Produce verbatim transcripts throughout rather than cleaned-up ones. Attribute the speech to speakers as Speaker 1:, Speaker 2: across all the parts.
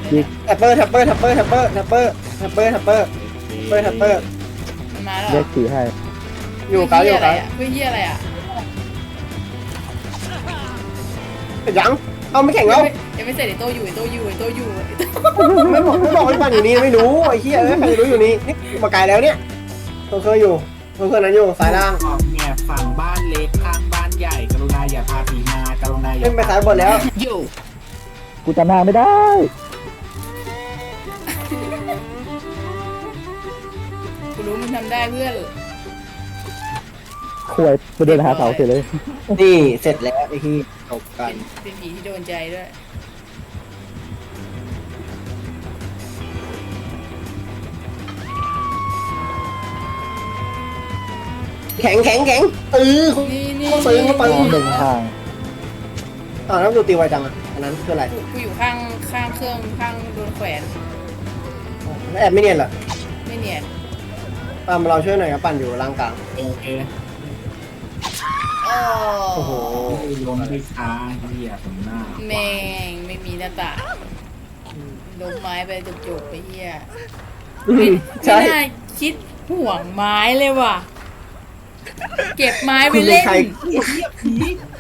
Speaker 1: ยิง
Speaker 2: แท็ปเปอร์แท็ปเปอร์แท็ปเปอร์แท็ปเปอร์แท็ปเปอร์แท็ปเปอร์แท็ปเปอร์แท็ปเปอร์แท็ปเปอร์
Speaker 3: มันมาแล้ว
Speaker 1: เรียกสีให้
Speaker 2: อยู่เก้าอยู่
Speaker 3: อะไร
Speaker 2: เก้า
Speaker 3: อ่ะเฮ้ยเฮียอะไรอ่ะ
Speaker 2: ยังเอาไม่แข่งแล้ว
Speaker 3: ยังไม่เสร็จไอ้โตอยู่ไอ้โตอยู่ไอ้โตอยู่ไอ้โต
Speaker 2: ไม่บอกไม่บอกไม่ฟังอยู่นี่ไม่รู้ไอ้เหี้ยเอ้ยใครจะรู้อยู่นี่นี่มาไกลแล้วเนี่ยตัวเคยอยู่ตัวเคยนั้นอยู่สายล่าง
Speaker 4: ออกเนี่ยฝั่งบ้านเล็กข้างบ้านใหญ่กรุณาอย่าพาผีมากรุณาอย่า
Speaker 2: เล่นไปสายบนแล้ว
Speaker 3: อยู่
Speaker 1: กูจำหน้าไม่ได้
Speaker 3: กูรู้มึงทำได้เพื่อน
Speaker 1: ควยไปเดินหาเสาเสร็จเลย
Speaker 2: นี่เสร็จแล้วไอ้ที่จบกัน
Speaker 3: เป็นผีที่โดนใจด้วย
Speaker 2: แข็งแข็งแข็งเออ
Speaker 3: นี่นี่
Speaker 2: เขาซื้อเขา
Speaker 1: ม
Speaker 2: ไป
Speaker 1: องหนึ่งทาง
Speaker 2: อ่าแล้วดูตีไวจังอ่ะอันนั้นคืออะไร
Speaker 3: กูกูอยู่ข้างข้างเครื่องข้างโดนแขวน
Speaker 2: แล้วแอบไม่เนียนเหรอ
Speaker 3: ไม่เนียน
Speaker 2: ตามเราช่วยหน่อยครับปั่นอยู่ล่างกลาง
Speaker 4: โอเค
Speaker 3: โอ้
Speaker 2: โอ้โห
Speaker 4: ลงไปช้าเหี้ยผมหน้า
Speaker 3: แม่งไม่มีหน้าต่างลงไม้ไปจุกๆไปเฮีย
Speaker 2: อืม
Speaker 3: ไม่
Speaker 2: ใช่
Speaker 3: น่าคิดห่วงไม้เลยว่ะ เก็บไม้ไป
Speaker 2: คุณเป็น
Speaker 3: เล่น
Speaker 2: ใคร
Speaker 4: เหี้ยผี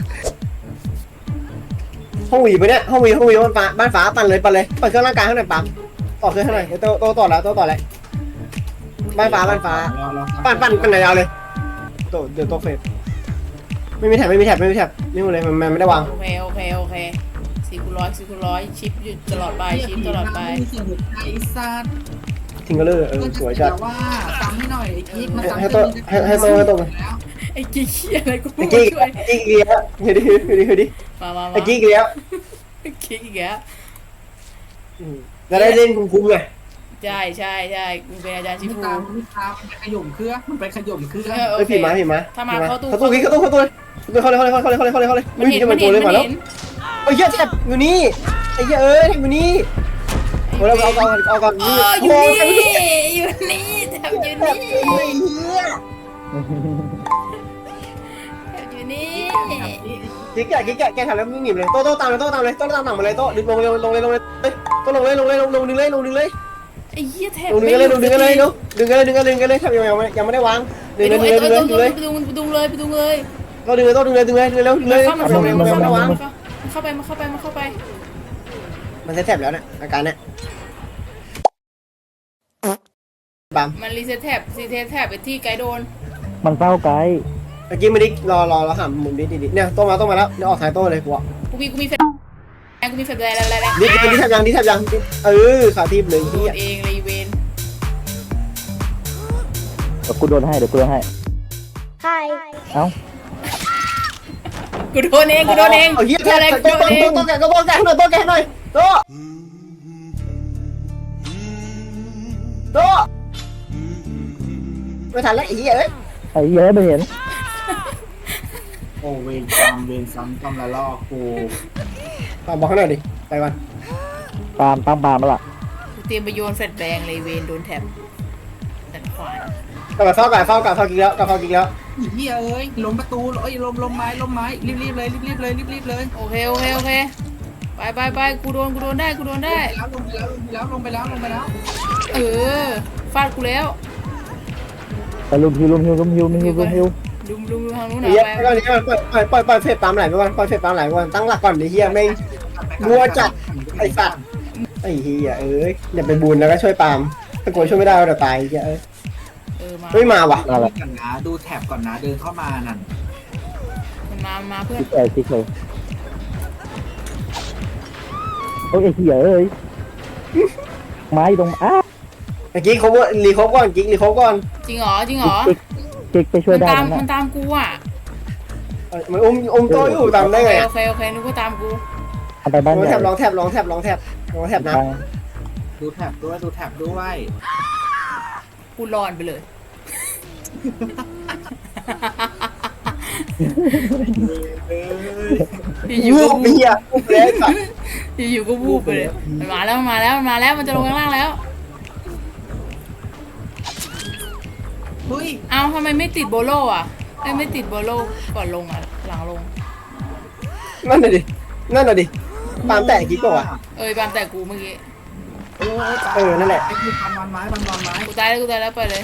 Speaker 2: ห้องหวีปะเนี่ยห้องหวีห้องหวีบ้านฟ้าบ้านฟ้าปั่นเลยปั่นเลยปั่นเครื่องร่างกายข้างในปั๊มต่อเครื่องข้างในเดี๋ยวโตโตต่อแล้วโตต่อแล้วบ้านฟ้าบ้านฟ้า ปั่นปั่นปั่นไหนยาวเลยโตเดี๋ยวโตเฟสไม่มีแท็บไม่มีแท็บไม่มีแท็บนี่หมดเลยมันมันไม่ได้วาง
Speaker 3: โอเคโอเคโอเคสี่คูณร้อยสี่คูณร้อยชิปอยู่ตลอดไปชิปตลอดไป
Speaker 4: มีเสียงหัวใจสัตว์
Speaker 2: ทิ้งก็เลยเออสวยจัด
Speaker 4: ว่าฟังให้หน่อยไอ้กิ๊กมา
Speaker 2: ให้โตให้ให้โตให้โต
Speaker 4: แล้ว
Speaker 3: ไอ้กี้เคียอะไรกู
Speaker 2: ไอ้
Speaker 3: มา
Speaker 2: กี้
Speaker 3: ช่วย
Speaker 2: ไอ้กี้เลี้ยวเฮ้ยดิเฮ้ยดิเฮ้ยดิ
Speaker 3: มามามา
Speaker 2: ไอ้กี้เลี้ยว
Speaker 3: ไอ้กี้อีกแล้ว
Speaker 2: จะได้เล่นคุ้มๆไง
Speaker 3: ใช่ใช่ใช่กูเป็นอาจารย์ชิ
Speaker 4: ไม่
Speaker 3: ฟู
Speaker 4: ตามไม่ตามมันไปขย่มเครื่องมันไปขย่มเครื่อง
Speaker 3: เออโอ
Speaker 2: เอ้ย
Speaker 3: เค
Speaker 2: ผีมาผีมา
Speaker 3: ถ้ามาเข้าตู้
Speaker 2: เข้าตู้กี้เข้าตู้เข้าตู้เข้าเลยเข้าเลยเข้าเลยเข้าเลยเข้าเลยเข้าเลย
Speaker 3: มันเห็น
Speaker 2: จะ
Speaker 3: มั
Speaker 2: มัน น
Speaker 3: เห็
Speaker 2: ตัวน เลย
Speaker 3: มั
Speaker 2: มาน แล้ว
Speaker 3: เห็น
Speaker 2: ไอ้เหี้ยแท็บอยู่นี่ไอ้เหี้ยเอ้ยแท็บอยู่นี่โอ้เราเอาเอาเอาก่อน
Speaker 3: เอ
Speaker 2: นี่
Speaker 3: ออยู่
Speaker 2: โอ้
Speaker 3: นี่
Speaker 2: ย
Speaker 3: อยู่นี่แถบอยู่
Speaker 2: แท็บ
Speaker 3: นี่
Speaker 2: ไอ้เหี้ย
Speaker 3: แถบอยู่นี่
Speaker 2: กิ๊กแกกิ๊กแกแกทำแล้วมึงหนีเลยโต้โต้ตามเลยโต้ตามเลยโต้ตามหนังมาเลยโต้ดึงลงเลยลงเลยลงเลยเฮ้ยโต้ลงเลยลงเลยลงลงดึงเลยลงดึงเลย
Speaker 3: ไอ้เหี้ยแถบ
Speaker 2: ลงดึงกันเลยลงดึงกันเลยเนาะดึงกันเลยดึงกันเลยดึงกันเลยทำยังยังไม่ยังไม่ได้วางดึ
Speaker 3: ไป
Speaker 2: งเลย
Speaker 3: ดู
Speaker 2: ดึง
Speaker 3: ไอ้
Speaker 2: เลย
Speaker 3: ตัว
Speaker 2: ดึง
Speaker 3: ตัว
Speaker 2: เลย
Speaker 3: ไปดูไปดูเลยไปดูเลย
Speaker 2: โต้ดึงเลยโต้ดึงเลยดึงเลยดึงเลยดึงเลย
Speaker 3: เข้ามา
Speaker 2: ทำยัง
Speaker 3: เข้า
Speaker 2: ยัง
Speaker 3: มา
Speaker 2: ไม่ได้วาง
Speaker 3: เข้าไปมาเข้าไปมาเข้าไป
Speaker 2: มันจะแทบแล้วเนี่ยอาการเนี่ยบัม
Speaker 3: มันรีเซ็ตแท็บรีเซ็ตแท็บไปที่ไกด์โดน
Speaker 1: มันเฝ้าไกด์
Speaker 2: เมื่อกี้ไม่ได้รอรอรอหามุมดิดิเนี่ยโต้มาโต้มาแล้วเดี๋ยวออกสายโต้เลยกูอ่ะ
Speaker 3: กูมีกูมีแฟนกูมีแฟนอะไรอะไรอะไร
Speaker 2: ดิดิดิแทบยังดิแทบยังเออขาทีมหนึ่ง
Speaker 3: โด
Speaker 2: ที่
Speaker 3: นเองเลยเวน
Speaker 1: เดี๋ยวกูโดนให้เดี๋ยวกูโดนให้
Speaker 5: Hi.
Speaker 1: เอ้า
Speaker 3: กูโดนเองกูโดนเอง
Speaker 2: เอาเหี้ย
Speaker 3: กู
Speaker 2: แทบ
Speaker 3: อะไร
Speaker 2: โต้
Speaker 3: กูโดนเอง
Speaker 2: โต้แกก็โต้แกหน่อยโต้แกหน่อยโต้โต้ไม่ทันแล้วไอ้เหี้ยเอ้ย
Speaker 1: ไอ้เหี้ยไม่เห็น
Speaker 4: โอ้เวรกรรมเวรซ้ำกรรมละลอกกู
Speaker 2: ตามบอกให้หน่อยดิไปวัน
Speaker 1: ปาล์มปาล์มปาล์มแล้วล่ะ
Speaker 3: กูเตรียมไปโยนแฟลชแบงเลยเวนโดนแท็บแต่ขวาน
Speaker 2: กลับมาเฝ้ากลับเฝ้ากลับเฝ้ากินแล้วกลับเฝ้ากินแล้ว
Speaker 4: ไอ้เหี้ยเอ้ยล้มประตูเอ้ยล้มล้มไม้ล้มไม้รีบรีบเลยรีบรีบเลยรีบรีบเลย
Speaker 3: โอเคโอเคโอเคไปไปไปกูโดนกูโดนได้กูโดนได้
Speaker 4: แล้วลงไปแล้วลงไปแล้วลงไปแล้วลงไปแล้ว
Speaker 3: เออฟาดกูแล้ว
Speaker 1: ไปลุมฮิวลุมฮิวลุมฮิวลุมฮิวลุมฮิว
Speaker 3: ลุมลุมทางนู้นห
Speaker 2: ไอ้
Speaker 3: น่อย
Speaker 2: เหี้ย
Speaker 3: ไป
Speaker 2: ก่อนนี้ปล่อยปล่อยปล่อยปล่อยเฟซตามไหลไปก่อนปล่อยเฟซตามไหลไปก่อนตั้งหลักก่อนไอ้เหี้ยไม่งัวจัดไอ้สัตว์ไอ้เหี้ยเอ้ยอย่าไปบูนแล้วก็ช่วยปามถ้ากลัวช่วยไม่ได้เดี๋ยวตายไอ้เหี้ยเอ้ย
Speaker 3: เออมา
Speaker 2: เฮ้ยมาว่ะ
Speaker 1: อะไร
Speaker 4: ก่อนนะดูแท็บก่อนนะเดินเข้ามานั่น
Speaker 3: มันมามาเพื่อน
Speaker 1: ติ๊กเอ้ยติ๊กเลยโอ้ยไอ้เหี้ยเอ้ยไม้ตรงอ้า
Speaker 2: เมื่อกี้เขาว่ารีครบก่อนกิ๊กรีครบก่อน
Speaker 3: จริงเหรอจริงเหรอ
Speaker 1: ติ๊กติ๊กไปช่วย
Speaker 3: มัน
Speaker 1: ได้
Speaker 3: ตาม
Speaker 1: นะ
Speaker 3: มันตามกูอ่ะ
Speaker 2: เอ้ยมันอุ้มอุ้มโตอยู่ตามได้ไง
Speaker 3: โอเคโอเคนึกว่าตามกู
Speaker 1: เอาไปบ้าน
Speaker 2: ลอง
Speaker 1: ให
Speaker 2: แท
Speaker 1: ญ่
Speaker 2: บลองแทบลองแทบลองแทบลองแทบนะ
Speaker 1: บัง
Speaker 4: ดูแท็บด้วยดูแท็บด้วย
Speaker 3: กูรอนไปเลย อยู่
Speaker 2: วู
Speaker 3: ก็
Speaker 2: บ
Speaker 3: วู
Speaker 2: เหี้ยวูบเลยสัตว์
Speaker 3: บอยู่ก็วูบไปเลยมันมาแล้วมันมาแล้วมันมาแล้วมันจะลงข้างล่างแล้ว
Speaker 4: เฮ้ย
Speaker 3: เอ้าทำไมไม่ติดโบโลอ่ะเอ้ยไม่ติดโบโลก่อนลงอ่ะหลังลง
Speaker 2: นั่นน่ะดินั่นน่ะดิปามแตะกิ๊กก่อน
Speaker 3: เอ้ยบามแต่กูเมื่อกี้
Speaker 2: เออนั่นแหละ
Speaker 4: ไอ้คือปันวันไม้ปันวันไม้
Speaker 3: กูตายแล้วกูตายแล้วไปเลย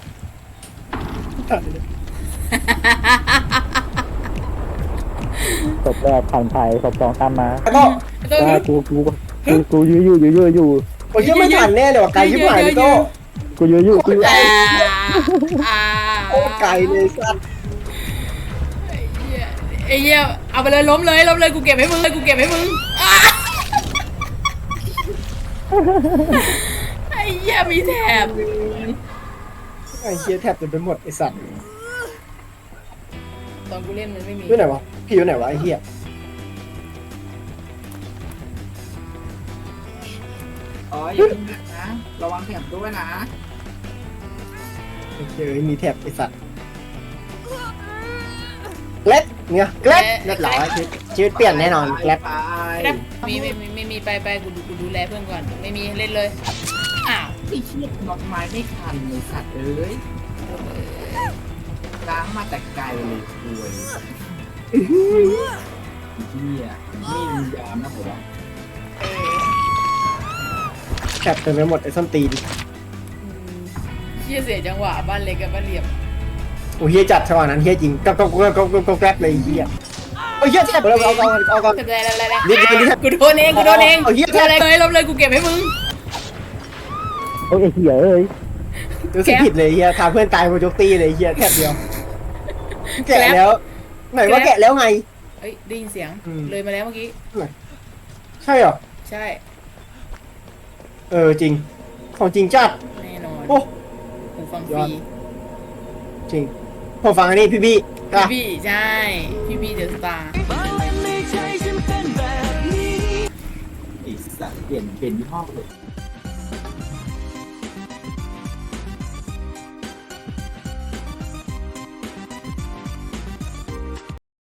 Speaker 1: ศพแรกผ่านไปศพสองตามมา
Speaker 2: แล้วก็
Speaker 3: ต้อง
Speaker 1: อ่ากูกูกูกูยื้ออยู่ยื้ออยู่อยู่
Speaker 2: โอ้ยยังไม่ทันแน่เลยว่ะไกลชิบหายเลยโต้
Speaker 1: กูยื้ออยู่กูยื้อ
Speaker 3: อ่าอ่า
Speaker 2: โคตรไกลเลยสัตว์
Speaker 3: ไอ้เหี้ยเอาไปเลยล้มเลยล้มเลยกูเก็บให้มึงเลยกูเก็บให้มึงอ่าไอ้เหี้ยมีแถบ
Speaker 2: ไอ้เชี่ยแทบจะไปหมดไอ้สัตว์
Speaker 3: ตอนกูเล่นมันไม่มี
Speaker 2: อยู่ไหนวะพี่อยู่ไหนวะไอ้เหี้ย
Speaker 4: อ๋ออย่าเพิ่งนะระวังแถบด้วยนะ
Speaker 2: ไอ้เชี่ยมีแทบไอ้สัตว์เล็ดเนี่ยเล็ดเล็ดหรอชีวิตชีวิตเปลี่ยนแน่นอนเล็ด
Speaker 4: ไป
Speaker 3: แรปมีไม่มีไม่มีไปไปกูดูกูดูแลเพื่อนก่อนไม่มีเล่นเลยอ้าว
Speaker 4: ไอ้เชี่ยน็อตไม้ไม่ทันเลยสัตว์เอ้ยล้างมาแต่ไกลเลยคุยเฮียนี่มันยามนะผมว่า
Speaker 3: เออ
Speaker 2: แทบเต็มไปหมดไอ้ส้นตีน
Speaker 3: อืมเชี่ยเสียจังหวะบ้านเล็กกับบ้านเหลี่ยม
Speaker 2: โอ้เฮียจัดจังหวะนั้นเฮียจริงก็ก็ก็ก็ก็แกร็บเลยเฮียโอ้เฮียแทบเราเอาเอาเอาเอา
Speaker 3: เก็บได้แล้วแล้ว
Speaker 2: นิดเดียวนิดเดียว
Speaker 3: กูโดนเองกูโดนเอง
Speaker 2: เอาเหี้ย
Speaker 3: อะไรเลยล้มเลยกูเก็บให้มึง
Speaker 1: โอ้ยไอ้เหี้ยเอ้ย
Speaker 2: รู้สึกผิดเลยเฮียทำเพื่อนตายโมจกตีเลยเฮียแทบเดียวแกะแล้วไหนว่าแกะแล้วไง
Speaker 3: เอ้ยได้ยินเสียง
Speaker 2: อืม
Speaker 3: เลยมาแล้วเมื่อกี้
Speaker 2: ใช่เหรอ
Speaker 3: ใช่
Speaker 2: เออจริงของจริงจัด
Speaker 3: แน่นอน
Speaker 2: โอ้
Speaker 3: หูฟังฟ
Speaker 2: ยอ
Speaker 3: รี
Speaker 2: ด จริงผมฟังอันนี้พี่บี้
Speaker 3: พี่
Speaker 2: อ่ะ
Speaker 3: บี้ใช่ พี่บี้เดอะสตาร์
Speaker 4: ไอ้สัตว์เปลี่ยนเปลี่ยนยี่ห้อเลย